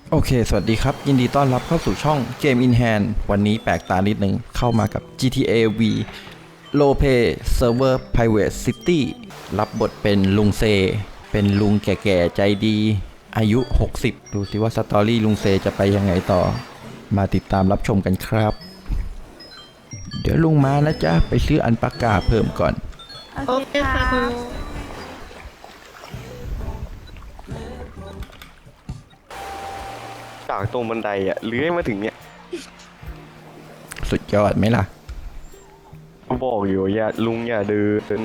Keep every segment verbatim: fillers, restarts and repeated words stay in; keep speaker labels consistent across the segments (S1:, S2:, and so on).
S1: โอเค สวัสดีครับ ยินดีต้อนรับเข้าสู่ช่อง Game in Hand วันนี้แปลกตานิดนึงเข้ามากับ จี ที เอ V Role Play Server Private City รับบทเป็นลุงเซ เป็นลุงแก่ๆ ใจดี อายุ หกสิบ ดูสิว่าสตอรี่ลุงเซจะไปยังไงต่อ มาติดตามรับชมกันครับ เดี๋ยวลุงมานะจ๊ะ ไปซื้ออันปากกาเพิ่มก่อน
S2: โอเคค่ะคุณลุง
S3: จากตรงบันไดอ่ะเลื้อยมาถึงเนี่ย
S1: สุดยอดไหมล่ะ
S3: ก็บอกอยู่อย่าลุงอย่าเดิน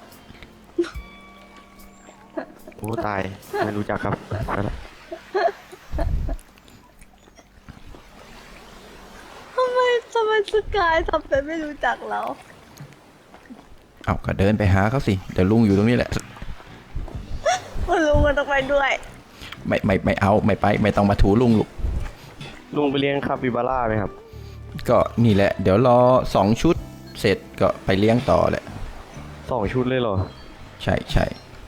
S3: โอ้ตายไม่รู้จักครับไปละ
S2: ทำไมทำไมสกายทำเป็นไม่รู้จักเรา
S1: เอาก็เดินไปหาเขาสิ เดี๋ยวลุงอยู่ตรงนี้แหละ
S2: คุณลุงก็ต้องไปด้วย
S1: ไม่ไม่ไม่เอาไม่ไปไม่ต้องมาถูลุงลูก
S3: ลุงไปเลี้ยงคาปิบาร่าไหมครับ
S1: ก็นี่แหละ เดี๋ยวรอสองชุดเสร็จก็ไปเลี้ยงต่อแหละ
S3: สองชุดเลยเหรอ
S1: ใช่ใช่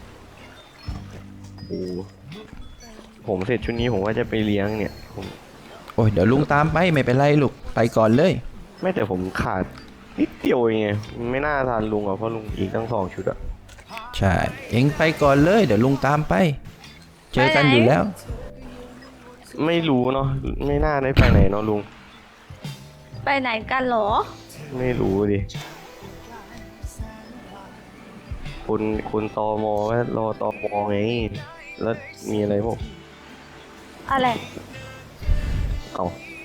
S3: โอ้ผมเสร็จชุดนี้ผมว่าจะไปเลี้ยงเนี่ยผม
S1: โอ้ยเดี๋ยวลุงตามไปไม่เป็นไรลูกไปก่อนเลย
S3: ไม่แต่ผมขาดนิดเดียวเองไงไม่น่าทานลุงอ่ะเพราะลุงอีกตั้งสองชุดอ่ะ
S1: ใช่เอ็งไปก่อนเลยเดี๋ยวลุงตามไป เจอกันอยู่แล้ว
S3: ไม่รู้เนาะไม่น่าได้ไปไหนเนาะลุง
S2: ไปไหนกันเหรอ
S3: ไม่รู้ดิคุณคุณตมว่ารอตมไงแล้วมีอะไรพวก
S2: อะไร
S3: เอา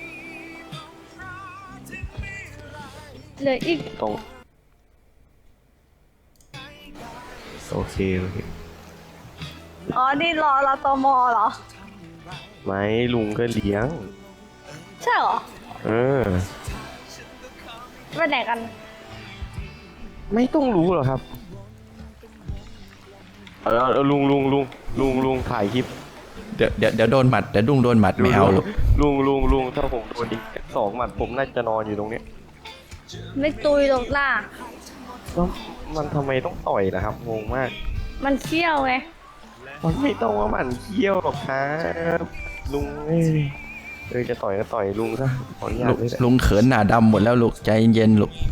S2: เหลืออีก
S3: ตรงโอเคโอเค
S2: อ๋อ นี่รอเราตมเหรอ
S3: ไม่ลุงก็เลี้ยง
S2: ใช่เหรอ
S3: เออ
S2: ไปไหนกัน
S3: ไม่ต้องรู้หรอกครับเออเออลุงลุงลุงลุงลุงถ่ายคลิป
S1: เดี๋ยวเดี๋ยวเดี๋ยวโดนหมัดเดี๋ยวลุงโดนหมัดไม่เอาลูก
S3: ลุงลุงลุงถ้าผมโดนอีกสองหมัดผมน่าจะนอนอยู่ตรงเนี้ย
S2: ไม่ตุยหรอกล่ะ
S3: แล้วมันทำไมต้องต่อยล่ะครับงงมาก
S2: มันเชี่ยวไง
S3: มันไม่ต้องว่ามันเคี้ยวหรอกครับลุงเอ้ยเออจะต่อยก็ต่อยลุงซะขออนุญา
S1: ลุ
S3: ต
S1: ง
S3: เลยแหละ
S1: ลุงเขินหน้าดำหมดแล้วลูกใจเย็นๆลูก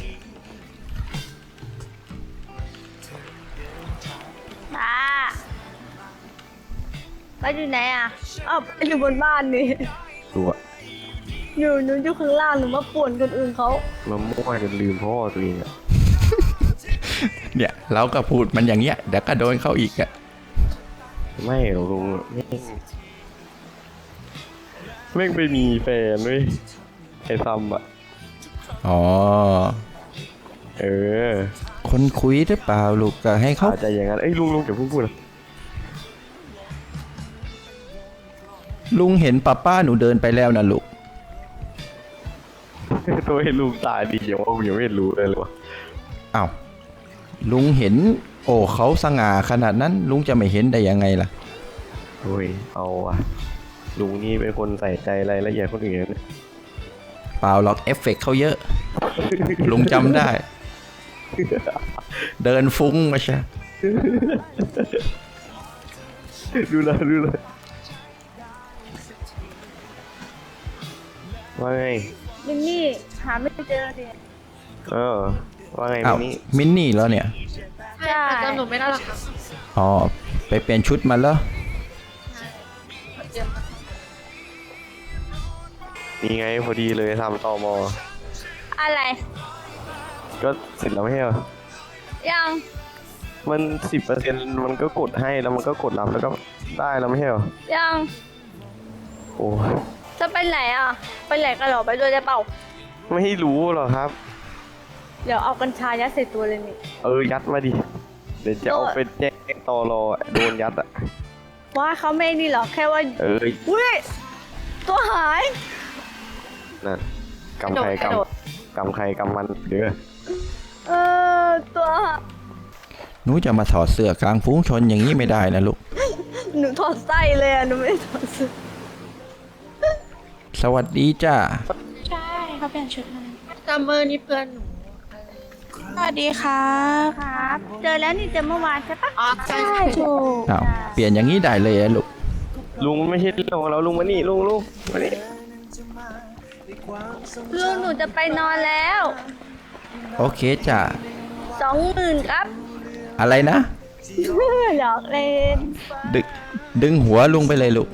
S2: ตาไปอยู่ไหนอ่ะอ้าวอยู่บนบ้านนี่
S3: ตัว
S2: อยู่หนูอยู่ข้างล่างหนูมาป่วนคนอื่นเขา
S3: มามั่วจนลืมพ่อตัวเองอะ
S1: เนี่ยเราก็พูดมันอย่างเงี้ยเดี๋ยวก็โดนเข้าอีกอะ
S3: ไม่หรอกลุงแม่งแม่งไปมีแฟนเว้ยไอ้ซัมอะ
S1: อ๋อ
S3: เออ
S1: คนคุยหรือเปล่าลูกก็ให้เขา
S3: อาจจะอย่างนั้นเอ้ยลุงลุงอย่าเพิ่งพูดนะ
S1: ลุงเห็นป้าป้าหนูเดินไปแล้วนะลูก
S3: ตัวให้ลุงตายดีอย่างว่าผมยังไม่รู้เลยเลยวะ
S1: อ้าวลุงเห็น โอ้เขาสง่าขนาดนั้น ลุงจะไม่เห็นได้ยังไงล่ะ
S3: โอ้ยเอาอะลุงนี่เป็นคนใส่ใจรายละเอียดคนอื่นนะ
S1: เปล่าหรอกเอฟเฟกต์เขาเยอะ ลุงจำได้ เดินฟุ้งมาใช่
S3: ดูแลดูแลว่าไง
S2: มินนี่หาไม่เจอดิ
S3: เออว่าไง
S1: อ้าว
S3: มินี่
S1: มินนี่แล้วเนี่ย
S2: ใช่
S4: จำหนูไม่ได้หรอกครับ
S1: อ๋อ ไปเปลี่ยนชุดมาแล้ว
S3: นี่ไงพอดีเลยทำตอมอ
S2: อะไร
S3: ก็เสร็จแล้วไม่ใช่เหรอ
S2: ยัง
S3: มันสิบเปอร์เซ็นต์มันก็กดให้แล้วมันก็กดรับแล้วก็ได้แล้วไม่ใช่เหรอ
S2: ยัง
S3: โอ้
S2: จะไปไหนอ่ะ ไปไหนกันเหรอไปด้วยได้เปล่า
S3: ไม่รู้หรอกครับ
S2: เดี๋ยวเอากัญชายัดใส่ตัวเลยนี่
S3: เออยัดมาดิเดี๋ยวจะเอาไปแจ้งตอรออะโดนยัดอ่ะ
S2: ว่าเขาไม่นี่หรอกแค่ว่า
S3: เออ
S2: อุ้ยตัวหาย
S3: นั่นกำใคร
S4: กระโดด
S3: กำกำใครกำมันเด้อ
S2: เออตัวหาย
S1: หนูจะมาถอดเสื้อกลางฝูงชนอย่างนี้ไม่ได้นะลูก
S2: หนูถอดไส้เลยอ่ะหนูไม่ได้ถอดเสื้อ
S1: สวัสดีจ้า
S4: ใช่เขาเปลี่ยนชุดมาซัมเมอร์นี่เพื่อนหนูสวัสดีครับ
S2: ครับ เจอแล้วนี่เจอเมื่อวานใช่ปะ
S4: อ๋อใช่
S2: ถูก
S1: อ้าว เปลี่ยนอย่างนี้ได้เลยอะลูก
S2: ใ
S3: ลุงมันไม่ใช่เรื่องของเราลุงมานี่ลุงลุงมานี่
S2: ลุงหนูจะไปนอนแล้ว
S1: โอเคจ้ะ
S2: สองหมื่นครับ
S1: อะไรนะ
S2: หยอกเล่น
S1: ดึงดึงหัวลุงไปเลยลูก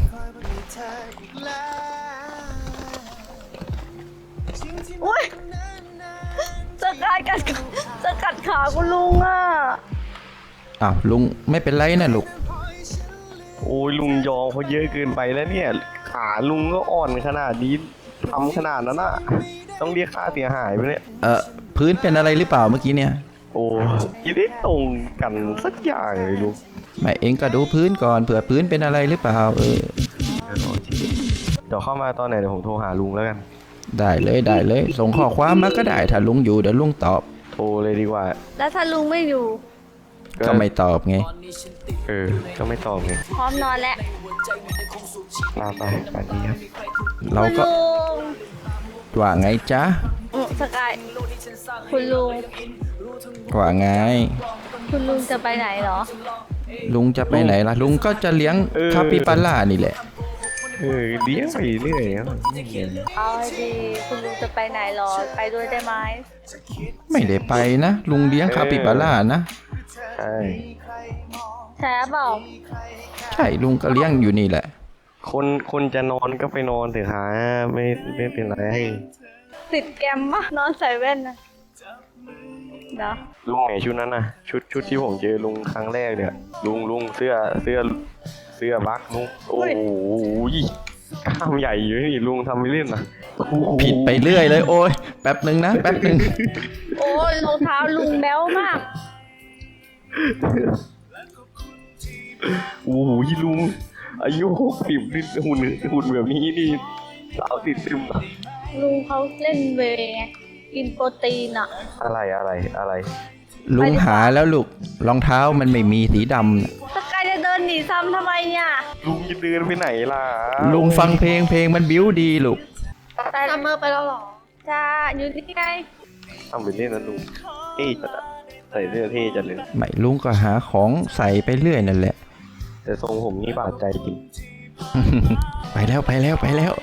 S2: อุ้ยสกัดกัดสกัดขาคุณลุงอ่ะ
S1: อ้าวลุงไม่เป็นไรนะลูก
S3: โอ้ยลุงยอมเขาเยอะเกินไปแล้วเนี่ยขาลุงก็อ่อนขนาดนี้ทำขนาดนั้นน่ะต้องเรียกค่าเสียหายไปเนี่ย
S1: เออพื้นเป็นอะไรหรือเปล่าเมื่อกี้เนี่ย
S3: โอ้ยได้ตรงกันสักอย่างเลยลุง
S1: ไม่เองก็ดูพื้นก่อนเผื่อพื้นเป็นอะไรหรือเปล่าเออ
S3: เดี๋ยวเข้ามาตอนไหนเดี๋ยวผมโทรหาลุงแล้วกัน
S1: ได้เลยได้เลย ส่งข้อความมาก็ได้ถ้าลุงอยู่เดี๋ยวลุงตอบ
S3: โทรเลยดีกว่า
S2: แล้วถ้าลุงไม่อยู่
S1: ก็ไม่ตอบไง
S3: เออก็ไม่ตอบไง
S2: พร้อมนอนแล้ว
S3: ลาไปไปดีครับ
S1: เรา
S2: คุณ
S1: ก็
S2: ลุง
S1: ว่าไงจ๊ะ
S2: อืมสกายคุณลุง
S1: ว่าไง
S2: คุณลุงจะไปไหนเหรอ
S1: ลุงจะไปไหนล่ะ ลุงก็จะเลี้ยงคาปิบาร่านี่แหละ
S3: เออเลี้ยงไปเรื่อยครับ
S2: เอาให้ดีคุณลุงจะไปไหนเหรอ ไปด้วยได้ไหม
S1: ไม่ได้ไปนะ ลุงเลี้ยงคาปิบาร่านะ
S3: ใช่
S2: แช่เปล่า
S1: ใช่ลุงก็เลี้ยงอยู่นี่แหละ
S3: คนคนจะนอนก็ไปนอนเถอะครับไม่ไม่เป็นไร
S2: ติดแกมมะนอนใส่แว่นนะเนาะ
S3: ลุงไหนชุดนั้นน่ะชุดชุดที่ผมเจอลุงครั้งแรกเนี่ยลุงลุงเสื้อเสื้อเสื้อบักลุงโอ้โหกล้ามใหญ่อยู่นี่ลุงทำไม่เล่นนะ
S1: ผิดไปเรื่อยเลยโอ้ยแป๊บหนึ่งนะแป๊บหนึ่ง
S2: โอ้ยรองเท้าลุงแบ๊วมาก
S3: โอ้โหลุงอายุหกสิบนี่หุ่นหุ่นแบบนี้นี่สาวติดซึมอะ
S2: ลุงเขาเล่นเวย์ไงกินโปรตีนอ่ะ
S3: อะไรอะไรอะไร
S1: ลุงหาแล้วลูกรองเท้ามันไม่มีสีดำน่ะ
S2: สกายจะเดินหนีซ้ำทำไมเนี่ย
S3: ลุงจะเดินไปไหนล่ะ
S1: ลุงฟังเพลงเพลงมันบิ้วดีลูก
S2: แต่
S4: ซัมเมอร์ไปแล้วเหรอ
S2: จ้าอยู่ที่ไง
S3: ทำไปเล่นนะลุงเท่จัดอะใส่เสื้อเท่จัดเลย
S1: ไม่ลุงก็หาของใส่ไปเรื่อยนั่นแหละ
S3: แต่ทรงผมนี่บาดใจจริง
S1: ไปแล้วไปแล้วไปแล้ว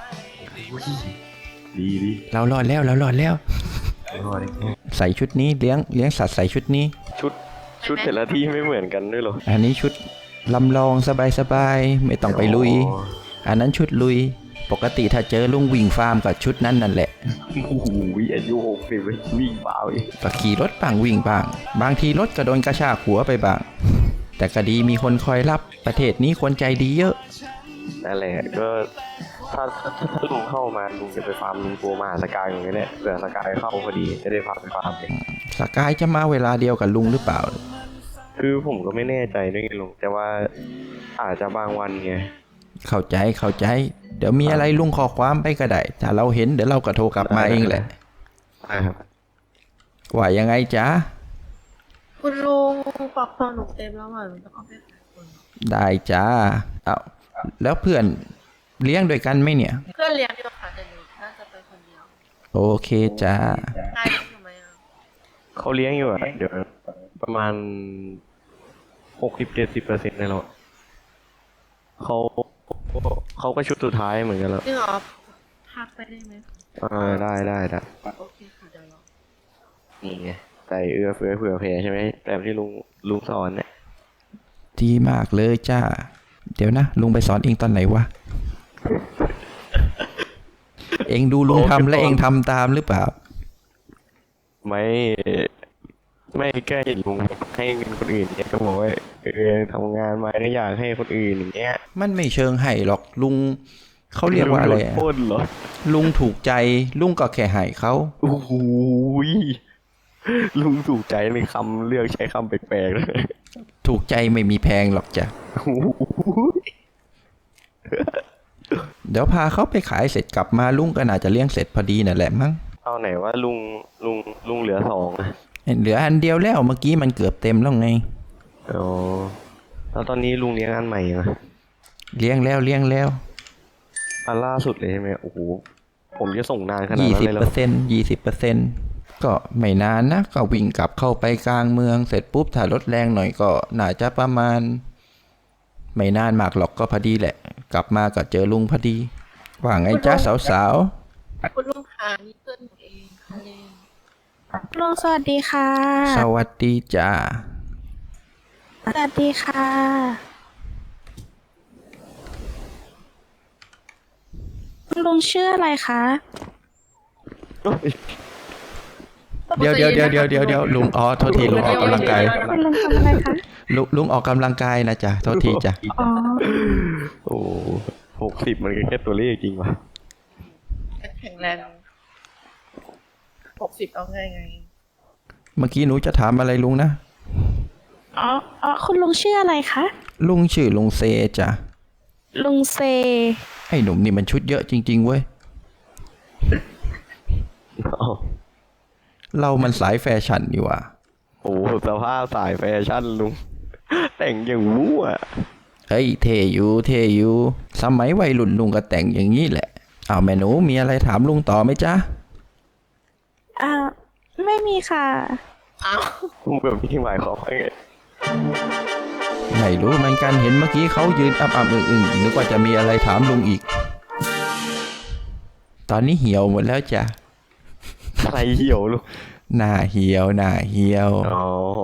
S3: ดีดี
S1: เรารอดแล้วเรารอดแล้ว
S3: รอด
S1: ใส่ชุดนี้เลี้ยงเลี้ยงสัตว์ใส่ชุดนี้
S3: ชุดชุดแต่ละที่ไม่เหมือนกันด้วยเหรอ
S1: อันนี้ชุดลำลองสบายๆไม่ต้องไปลุย
S3: อ๋อ
S1: อันนั้นชุดลุย ปกติถ้าเจอลุงวิ่งฟาร์มกับชุดนั้นนั่นแหละ
S3: โอ้โหอายุหกสิบวิ่งเปล่าอีก
S1: ก็ขี่รถบ้างวิ่งบ้าง บางทีรถก็โดนกระชากหัวไปบ้าง แต่ก็ดีมีคนคอยรับประเทศนี้คนใจดีเยอะ
S3: นั่นแหละก็ถ้าถ้าถ้าลุงเข้ามาลุงจะไปฟาร์มลุงกลัวมหาสกายอย่างเงี้ยเนี่ยเผื่อสกายเข้าพอดีจะได้พาไปฟาร์มเลย
S1: สกายจะมาเวลาเดียวกับลุงหรือเปล่า
S3: คือผมก็ไม่แน่ใจด้วยไงลุงแต่ว่าอาจจะบางวันไง
S1: เข้าใจเข้าใจ เดี๋ยวมีอะไรลุงขอความไปก็ได้ถ้าเราเห็นเดี๋ยวเราก็โทรกลับมาเองแหละ
S3: อ่าครับ
S1: ว่ายังไงจ๊ะ
S4: คุณลุงปรับตัวหนูเต็มแล้วอ่ะหนูจะเอาไปขายคน
S1: ได้จ้าเอาแล้วเพื่อนเลี้ยงด้วยกันไหมเนี่ย
S4: เพื่อนเลี้ยงเดียวค่ะแต่หนูน่าจะไปคนเดียว
S1: โอเคจ้า
S4: นายเลี้ยงอยู่ไหมอ่ะ
S3: เขาเลี้ยงอยู่อะเดี๋ยวประมาณหกสิบเจ็ดสิบเปอร์เซ็นต์ในเราเขาเขาก็ชุดสุดท้ายเหมือนกันแล้ว
S4: จริงเหรอพักไปได้ไหม
S3: อ่าได้ได้ได้
S4: โอเคค่ะเดี๋ยวรอ
S3: นี่ไงใส่เอื้อเฟื้อเผื่อแผ่ใช่ไหมแบบที่ลุงลุงสอนเนี่ย
S1: ดีมากเลยจ้า เดี๋ยวนะ ลุงไปสอนเองตอนไหนวะ เองดูลุงทำและเองทำตามหรือเปล่า
S3: ไม่ไม่แก้เห็นลุงให้เงินคนอื่นเนี่ยก็บอกว่าเออทำงานมาก็อยากให้คนอื่นอย่างเงี้ย
S1: มันไม่เชิงให้หรอกลุงเขาเรียกว่าอะไร
S3: ลุง
S1: อะ
S3: โดนปล้นเหรอ
S1: ลุงถูกใจลุงก็แค่ให้เขา
S3: โอ้โหยลุงถูกใจในคำเลือกใช้คำแปลกๆเลย
S1: ถูกใจไม่มีแพงหรอกจ้ะ
S3: โอ้โห
S1: เดี๋ยวพาเขาไปขายเสร็จกลับมาลุงก็น่าจะเลี้ยงเสร็จพอดีนั่นแหละมั้ง
S3: เอาไหนว่าลุงลุงลุงเหลือสองอะ
S1: เหลืออันเดียวแล้วเมื่อกี้มันเกือบเต็มแล้วไง
S3: อ๋อแล้วตอนนี้ลุงเลี้ยงอันใหม่ยังอะ
S1: เลี้ยงแล้วเลี้ยงแล้ว
S3: อันล่าสุดเลยใช่ไหมโอ้โหผมจะส่งนานขนาด
S1: ยี่
S3: นั้น
S1: สิบ
S3: เลยเหร
S1: เปอ
S3: อ
S1: ร์เซ็นต์ยี่สิบเปอร์เซ็นต์ก็ไม่นานนะก็วิ่งกลับเข้าไปกลางเมืองเสร็จปุ๊บถ้ารถแรงหน่อยก็น่าจะประมาณไม่นานมากหรอกก็พอดีแหละ กลับมาก็เจอลุงพอดี ว่าไงจ้าสาว
S5: คุณลุงค่ะนี่เพื่อนหนูเองค่ะเลน
S4: ลุงสวัสดีค่ะ
S1: ๆ สวัสดีจ้า
S4: สวัสดีค่ะ คุณลุงชื่ออะไรคะ
S1: เดี๋ยวเดี๋ยวเดี๋ยวเดี๋ยวเดี๋ยวเดี๋ยวลุงอ๋อโทษทีลุงออกกำลังกาย
S4: คุณลุงทำอะไรคะ
S1: ลุงลุงออกกำลังกายนะจ๊ะโทษทีจ้ะ
S4: อ๋อ
S3: โอ้หกสิบมันก็แค่ตัวเลขจริงวะ
S5: แข็งแรงหกสิบเอาไงไง
S1: เมื่อกี้หนูจะถามอะไรลุงนะ
S4: อ๋อ อ๋อ คุณลุงชื่ออะไรคะ
S1: ลุงชื่อลุงเซจ้ะ
S4: ลุงเซ
S1: ไอ้หนุ่มนี่มันชุดเยอะจริงๆเว้ย
S3: อ้าว
S1: เรามันสายแฟชั่นนี่หว่า
S3: โอ้โหสภาพสายแฟชั่นลุง แต่งอย่างมั่ว
S1: เฮ้ยเทอยู่เทอยู่สมัยวัยรุ่นลุงก็แต่งอย่างนี้แหละอ้าวแม่หนูมีอะไรถามลุงต่อไหมจ๊ะ
S4: อ่า ไม่มีค่ะ
S5: อ้าว
S3: ลุงแบบนี้หมายความว่าไง
S1: ไม่รู้เหมือนกันเห็นเมื่อกี้เขายืนอับอับอึ้งอึ้งนึกว่าจะมีอะไรถามลุงอีก ตอนนี้เหี่ยวหมดแล้วจ้ะ
S3: ใครเหี่ยวลุง
S1: หน้าเหี่ยวหน้าเหี่ยว
S3: อ๋อ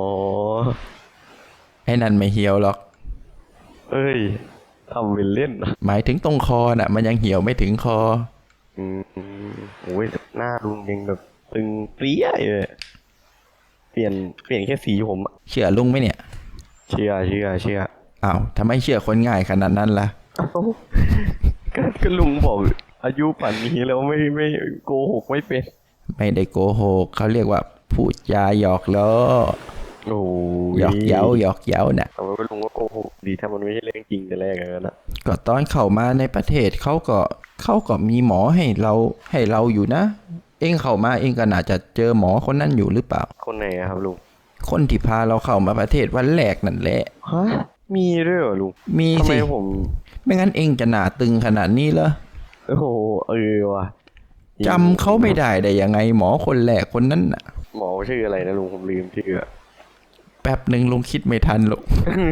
S1: ไอ้นั่นไม่เหี่ยวหรอก
S3: เอ้ยทำเป็นเล่นนะ
S1: หมายถึงตรงคอน่ะ มันยังเหี่ยวไม่ถึงคอ
S3: อืมโอ้ยหน้าลุงยังแบบตึงเปรี้ยเลยเปลี่ยนเปลี่ยนแค่สีผมอะ
S1: เชื่อลุงไหมเนี่ย
S3: เชื่อเชื่อเชื่อ
S1: อ้าวทำไมเชื่อคนง่ายขนาดนั้นล่ะ
S3: เอ้าก็ก็ลุงบอกอายุป่านนี้แล้วไม่ไม่โกหกไม่เป็น
S1: ไม่ได้โกหกเขาเรียกว่าพูดจาหยอกล้อ
S3: โอ้
S1: หยอกเย้าหยอกเย้าน่ะ
S3: แต่ว่าลุงก็โกหกดีถ้ามันไม่ใช่เรื่องจริงแต่แรกแล้วนะ
S1: ก็ตอนเข้ามาในประเทศเขาก็เขาก็มีหมอให้เราให้เราอยู่นะ เองเข้ามาเองก็น่าจะเจอหมอคนนั้นอยู่หรือเปล่า
S3: คนไหนอะครับลุง
S1: คนที่พาเราเข้ามาประเทศวันแรกนั่นแหละ
S3: ฮะมีด้วยเหรอลุง
S1: มี
S3: ทำไม
S1: สิ
S3: ผม
S1: ไม่งั้นเองจะหนาตึงขนาดนี้เหรอ
S3: โอ้โหเออว่ะ
S1: จำเขาไม่ได้ได้ยังไงหมอคนแรกคนนั้นน่ะ
S3: หมอชื่ออะไรนะลุงผมลืมชื่ออะ
S1: แป๊บหนึ่งลุงคิดไม่ทันหรอก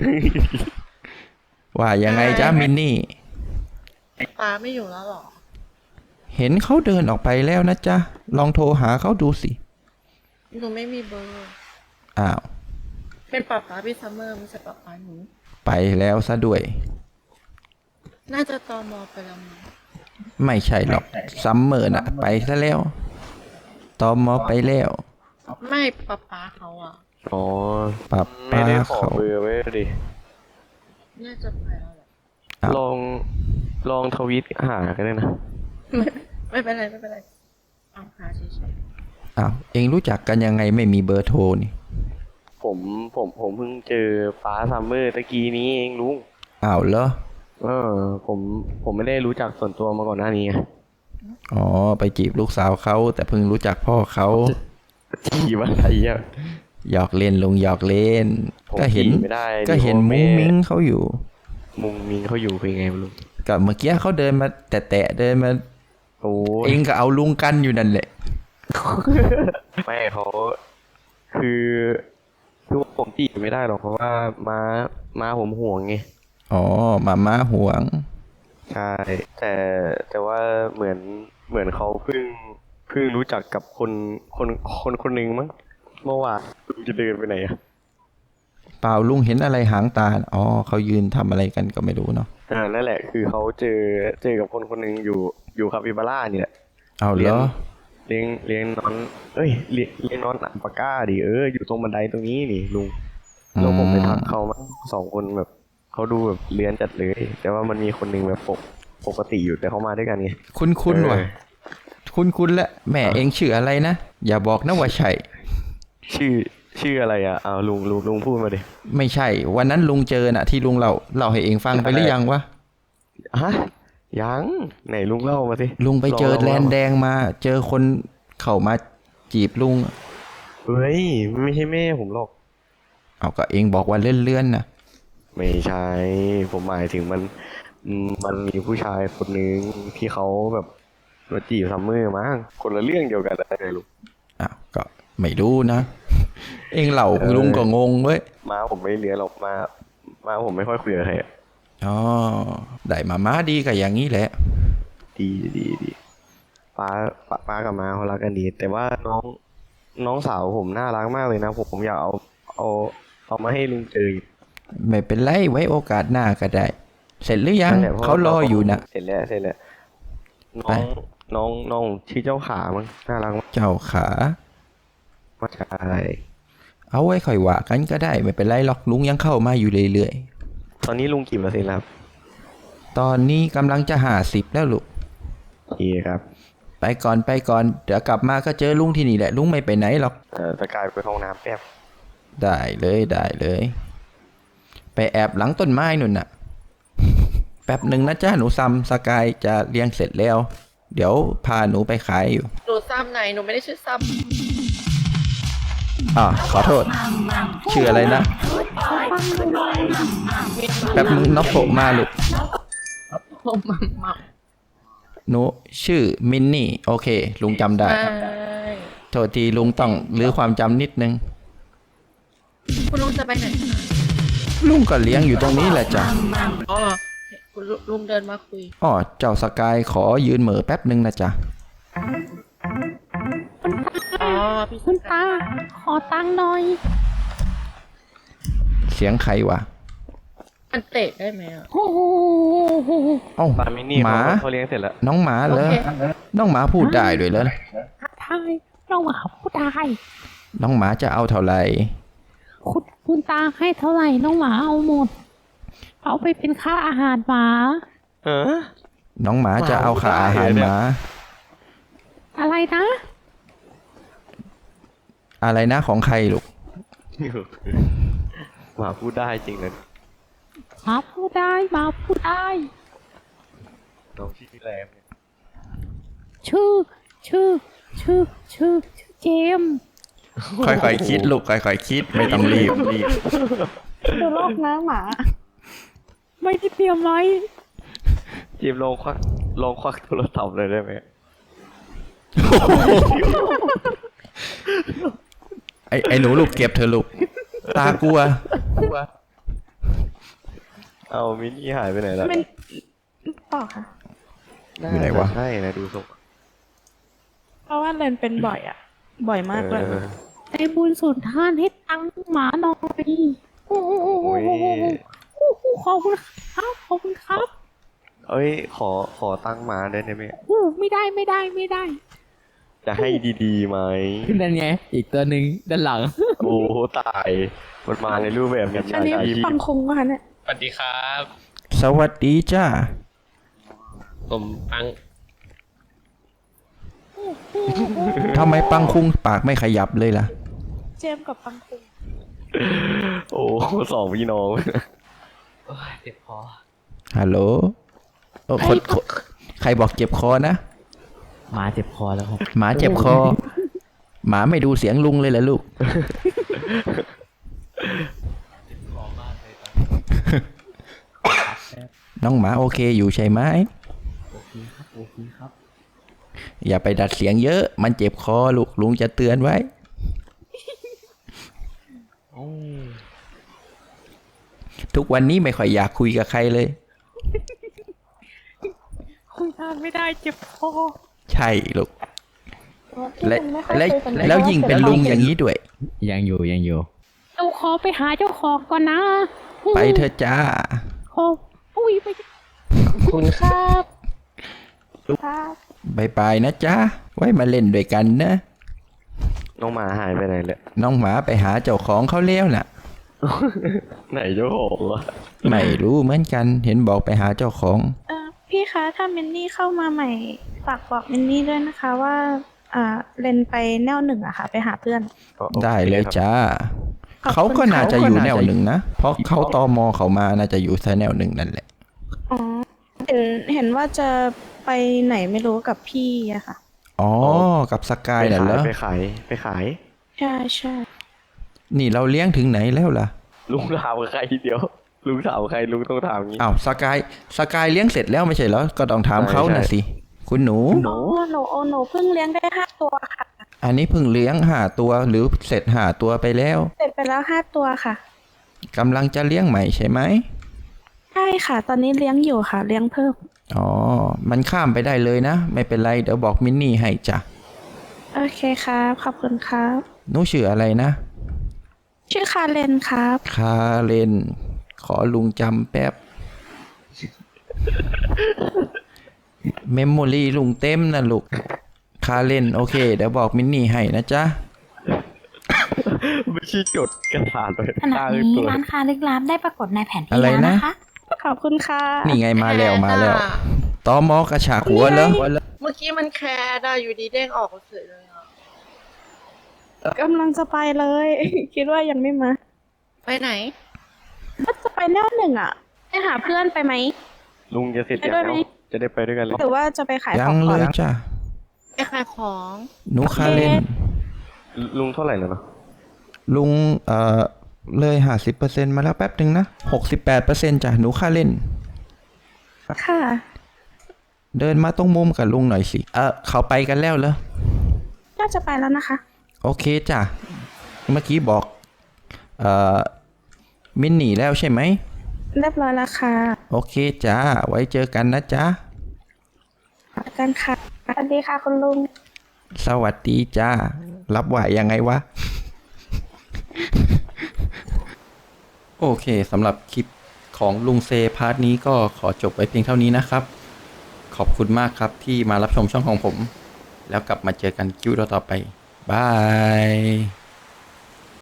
S1: ว่ายังไงจ้ามินนี่
S5: ตาไม่อยู่แล้วเหรอ
S1: เห็นเขาเดินออกไปแล้วนะจ๊ะ ลองโทรหาเขาดูสิ
S5: หนูไม่มีเบอร์
S1: อ้าว
S5: เป็นป๊าป๊าพี่ซัมเมอร์ไม่ใช่ป๊าป๊าหนู
S1: ไปแล้วซะด้วย
S5: น่าจะตอมอไปแล้วมั้ง
S1: ไม่ใช่หรอกซัมเมอร์น่ะ ไปซะแล้วตอมอไปแล้ว
S5: ไม่ป๊าป๊าเขาอ่ะ
S3: อ๋อ
S1: ป้า
S3: ไม่
S1: ป้า
S3: ได้ขอ
S1: เขา
S3: เบอร์ไว้ดิ
S5: น่าจะไปแล้วแหละ
S1: อ้าว
S3: ลองลองทวิตหากันได้นะ
S5: ไม่ไม่เป็นไรไม่เป็นไรเอาหาเฉย
S1: อ้าวเองรู้จักกันยังไงไม่มีเบอร์โทรนี่
S3: ผมผมผมเพิ่งเจอป้าซัมเมอร์ตะกี้นี้เองลุง
S1: อ้าวเหรอ
S3: เออผมผมไม่ได้รู้จักส่วนตัวมาก่อนหน้านี้ไง
S1: อ๋อไปจีบลูกสาวเขาแต่เพิ่งรู้จักพ่อเขา
S3: จีบอะไรอ่ะ
S1: หยอกเล่นลุงหยอกเล่น
S3: ผม
S1: ก็เห็น
S3: จีบไม่ได้
S1: ก็เห็น
S3: ดิ
S1: มุ้ง
S3: พ่อแ
S1: มิ้งเขาอยู่
S3: มุงมิงเขาอยู่เป็นไงลุง
S1: กับเมื่อกี้เขาเดินมาแตะๆเดินมา
S3: โอ้ย
S1: เองก็เอาลุงกันอยู่นั่นแหละ
S3: ไม่เขาคือคือผมจีบไม่ได้หรอกเพราะว่าม้าม้าผมห่วงไง
S1: อ๋อมาม่าห่วง
S3: ใช่แต่แต่ว่าเหมือนเหมือนเขาเพิ่งเพิ่งรู้จักกับคนคนคนคนหนึ่งมั้งเมื่อวานลุงจะเดินไปไหนอะ
S1: เปล่าลุงเห็นอะไรหางตา อ๋อเขายืนทำอะไรกันก็ไม่รู้เนาะ
S3: อ่านั่นแหละคือเขาเจอเจอกับคนคนหนึ่งอยู่อยู่คาปิบาร่านี่แหละ
S1: เอาเหรอ
S3: เลี้ยงเลี้ยงนอนเอ้ยเลี้ยงเลี้ยงนอนอัลปาก้าดิเอออยู่ตรงบันไดตรงนี้นี่ลุงแล้วผมไปทักเขามั้งสองคนแบบเขาดูแบบเลี้ยนจัดเลย แต่ว่ามันมีคนหนึ่งแบบปกปกติอยู่แต่เขามาด้วยกันไง
S1: คุ้นคุ้นๆว่ะ
S3: เออ
S1: คุ้นคุ้นๆและแม่เองชื่ออะไรนะ อย่าบอกนะว่าใช่
S3: ชื่อชื่ออะไรอ่ะเอาลุงลุงลุงพูดมาดิ
S1: ไม่ใช่ วันนั้นลุงเจอน่ะ ที่ลุงเล่าเล่าให้เองฟังไปหรือยังวะ
S3: ฮะยังไหนลุงเล่ามาสิ
S1: ลุงไปเจอ
S3: ลง
S1: แล
S3: ล่าน มา
S1: แดงมา เจอคนเข้ามาจีบลุง
S3: เฮ้ยไม่ใช่แม่ผมหรอก
S1: เอาก็เองบอกว่าเลื่อนๆนะ
S3: ไม่ใช่ผมหมายถึงมันอืมมันมีผู้ชายคนหนึ่งที่เขาแบบมาจีบซัมเมอร์มั้งคนละเรื่องเดียวกันอะไรลูก
S1: อ้าวก็ไม่รู้นะ เองเล่า
S3: เออ
S1: ลุงก็งงเว้ย
S3: ม้าผมไม่เลี้ยงหรอกม้าม้าผมไม่ค่อยคุยกับใครอะ
S1: อ๋อได้มาม้าดีกับอย่างนี้แหละ
S3: ดีดีดีป้าป้าป้ากับม้าเขารักกันดี แต่ว่าน้องน้องสาวผมน่ารักมากเลยนะผมผมอยากเอาเอาเอามาให้ลุงเจออยู่
S1: ไม่เป็นไรไว้โอกาสหน้าก็ได้ เสร็จหรือยัง
S3: นั่นแหละพะ
S1: เขารออยู่นะ
S3: เสร็จแล้วเสร็จแล้วน้
S1: ไป
S3: องน้องน้องชื่อเจ้าขามั้งน่ารักมาก
S1: เจ้าขา
S3: ใช่
S1: เอาไว้ค่อยว่ากันก็ได้ไม่เป็นไรหรอกลุงยังเข้ามาอยู่เรื่อย
S3: ตอนนี้ลุงกี่เปอร์เซ็นต์แล้วครับ
S1: ๆ ตอนนี้กำลังจะหาสิบแล้วลูก
S3: โอเคครับ
S1: ไปก่อนไปก่อนเดี๋ยวกลับมาก็เจอลุงที่นี่แหละลุงไม่ไปไหนหรอก
S3: เอ่อจะกลายไปห้องน้ำแป๊บ
S1: ได้เลยได้เลย ไปแอบหลังต้นไม้นุ่นน่ะ แป๊บหนึ่งนะจ้าหนูซัมสกายจะเลี้ยงเสร็จแล้ว เดี๋ยวพาหนูไปขายอยู่
S5: หนูซ้ำไหนหนูไม่ได้ชื่อซ้
S1: อ่าขอโทษ ชื่ออะไรนะ แป๊บนึงนกโผล่มาลูก
S5: ำผมมัมมัม
S1: หนูชื่อมินนี่ โอเค ลุงจำได้
S5: ใช่
S1: โทษทีลุงต้องรื้อความจำนิดนึง
S5: คุณลุงจะไปไหนคะ
S1: ลุงก็เลี้ยงอยู่ตรงนี้แหละจ้ะ
S5: อ๋อคุณลุงเดินมาคุย
S1: อ๋อเจ้าสกายขอยืนเหม่อแป๊บนึงนะจ๊ะ
S5: อ๋อพี่
S4: คุณตา ขอตังค์หน่อย
S1: เสียงใครวะ
S5: มันเตะได้ไหมอ่ะ
S4: โอ้โห
S1: เอ้า
S3: ปามินี่
S1: หมา
S3: เขาเขาเลี้ยงเสร็จแล้ว
S1: น้องหมาเหรอ
S5: โอเค
S1: น้องหมาพูดได้ด้วยเหรอ
S4: ทายเราหมาผู้ตาย
S1: น้องหมาจะเอาเท่าไหร่
S4: คุณคุณตาให้เท่าไหร่น้องหมาเอาหมด เอาไปเป็นค่าอาหารหมา
S3: เออ
S1: น้องหมาจะเอาค่าอาหารหมา
S4: อะไรนะ
S1: อะไรนะของใครลูก
S3: หมาพูดได้จริงเลย
S4: หมาพูดได้หมาพูดได้
S3: น้องชื่อแรมเนี่ย
S4: ชื่อ ชื่อ ชื่อ ชื่อ ชื่อเจมส์
S1: ค่อยๆคิดลูกค่อยๆคิดไม่ต้องรีบรีบ
S2: ดูโลกนะหมา
S4: ไม่ได้เตรียมไว้
S3: จีมลองควักลองควักโทรศัพท์เลยได้ไหม
S1: ไอ้ไอ้หนูลูกเก็บเธอะลูก ตากลัว
S3: เอามินี่หายไปไหนแล้ว
S2: มันต่อค่ะ
S1: อยู่ไหนวะ
S3: ใช่นะดูทรง
S2: เพราะว่าเรนเป็นบ่อยอ่ะ บ่อยมากเลย
S3: เออ
S4: ไอ้บุญสุนทานให้ตังค์หมาหน่อยโอ้โห
S3: โอ้ย
S4: โอ้โหขอบคุณครับ ขอบคุณครับ
S3: เอ้ยขอขอตั้งหมาได้ไหม
S4: โอ้ไม่ได้ไม่ได้ไม่ได้
S3: จะให้ดีๆไหม
S6: นั่นไง อีกตัวหนึ่งด้านหลัง
S3: โอ้ตายมันมาในรูปแบบมิจ
S2: อั
S3: ฉาน
S2: นี้
S3: ชีพ
S2: ปังคุงป่ะคะเนี่ย
S7: สวัสดีครับ
S1: สวัสดีจ้า
S7: ผมปัง
S1: ทำไมปังคุงปากไม่ขยับเลยล่ะ
S2: เจมส์กับปังคุง
S3: โอ้สองพี่น้อง
S7: โอ้ยเจ็บคอ
S1: ฮัลโหลโอ้คนคนใครบอกเจ็บคอนะ
S6: หมาเจ็บคอแล้วครับ
S1: หมาเจ็บคอ หมาไม่ดูเสียงลุงเลยเหรอลูก น้องหมาโอเคอยู่ใช่ไหม
S6: โอเคครับ โอเคครับ
S1: อย่าไปดัดเสียงเยอะ มันเจ็บคอลูกลุงจะเตือนไว้
S6: โอ้
S1: ทุกวันนี้ไม่ค่อยอยากคุยกับใครเลย
S4: คุยนานไม่ได้เจ็บคอ
S1: ใช่ลูก และและแล้วยิ่งเป็นลุงอย่างนี้ด้วย
S6: ยังอยู่ยังอยู่
S4: เราขอไปหาเจ้าของก่อนนะ
S1: ไปเถอะจ้า
S4: ขออุ้ยไป
S2: คุณครับครับ
S1: บายบายนะจ๊ะ ไว้มาเล่นด้วยกันนะ
S3: น้องหมาหายไปไหนเลย
S1: น้องหมาไปหาเจ้าของเขาแล้วน่ะ
S3: ไหนเจ้าของวะ
S1: ไม่รู้เหมือนกัน เห็นบอกไปหาเจ้าของ
S2: เออพี่คะถ้ามินนี่เข้ามาใหม่ฝากบอกมินนี่ด้วยนะคะว่าอ่าเรนไปแนวหนึ่งอะค่ะ ไปหาเพื่อน
S1: ได้เลยจ้า
S2: ขอบคุณ
S1: เขาก็น่าจะอยู่แนวหนึ่งนะ เพราะเขาตอมอเขามาน่าจะอยู่แนวหนึ่งนั่นแหละ
S2: อ๋อเห็นเห็นว่าจะไปไหนไม่รู้กับพี่อะค่ะ
S1: อ๋อ กับสกาย
S3: ไป
S1: น่ะ
S3: ขา
S1: เหร
S3: ย
S1: อ
S3: ไปขายไปขาย
S2: ใช่ใช่
S1: นี่เราเลี้ยงถึงไหนแล้วล่ะ
S3: ลุงถามใครเดียว ลุงถามใครลุงต้องถามงี้
S1: อ้าวสกายสกายเลี้ยงเสร็จแล้วไม่ใช่เหรอ ก็ต้องถามเขาน่ะสิ คุณหนู
S2: หนูหนูโอหนูเพิ่งเลี้ยงได้ห้าตัวค่ะ
S1: อันนี้เพิ่งเลี้ยงห้าตัวหรือเสร็จห้าตัวไปแล้ว
S2: เสร็จไปแล้วห้าตัวค่ะ
S1: กำลังจะเลี้ยงใหม่ใช่ไหม
S2: ใช่ค่ะ ตอนนี้เลี้ยงอยู่ค่ะ เลี้ยงเพิ่ม
S1: อ๋อ มันข้ามไปได้เลยนะ ไม่เป็นไร เดี๋ยวบอกมินนี่ให้จ้ะ
S2: โอเคครับ ขอบคุณครับ
S1: หนูชื่ออะไรนะ
S2: ชื่อคาเลนครับ
S1: คาเรน ขอลุงจำแป๊บ เมมโมรี่ลุงเต็มนะลูก คาเรน โอเค เดี๋ยวบอกมินนี่ให้นะจ๊ะ
S3: ไม่ใช่จดกระดาษเลย
S8: ขณะ
S3: ข้าง
S8: นี้
S3: ตัว
S8: ร้านค้าลึกลับได้ปรากฏในแผนที่
S1: อะไร
S8: แล้ว
S1: นะ
S8: นะคะ
S2: ขอบคุณค่ะ
S1: นี่ไงมาแล้วมาแล้ว ตอมอกระฉากหัวแล้ว
S5: เมื่อกี้มันแคร์ได้อยู่ดีเด้งออกเฉยเลยอ่ะ
S2: กำลังจะไปเลย คิดว่ายังไม่มา
S5: ไปไหน
S2: ก็จะไปแนวหนึ่งอ่ะไปหาเพื่อนไปไหม
S3: ลุงจะเสร็จ
S2: ไป
S3: ยัง
S2: ด้วยไหม
S3: แล้วจะได้ไปด้วยกันเลย
S2: หรือว่าจะไปขาย
S1: ยั
S2: ของ ง
S1: เล
S2: ก่อน
S1: ยจ้ะ
S5: ไปขายของ
S1: หนูคาเรน
S3: ลุงเท่าไหร่แล้วเนาะ
S1: ลุงเอ่อเลยห้าสิบเปอร์เซ็นต์มาแล้วแป๊บหนึ่งนะหกสิบแปดเปอร์เซ็นต์จ้ะหนูค่าเล่น
S2: ค่ะ
S1: เดินมาตรงมุมกับลุงหน่อยสิ เออเขาไปกันแล้วเหรอ
S2: น่าจะไปแล้วนะคะ
S1: โอเคจ้ะ เมื่อกี้บอก เอ่อ มินหนีแล้วใช่ไหม
S2: เรียบร้อยแล้วค่ะ
S1: โอเคจ้า ไว้เจอกันนะจ๊ะ
S2: กันค่ะสวัสดีค่ะคุณลุง
S1: สวัสดีจ้า รับไหวยังไงวะ โอเคสำหรับคลิปของลุงเซพาร์ทนี้ก็ขอจบไว้เพียงเท่านี้นะครับ ขอบคุณมากครับที่มารับชมช่องของผม แล้วกลับมาเจอกันคิวต่อไปบาย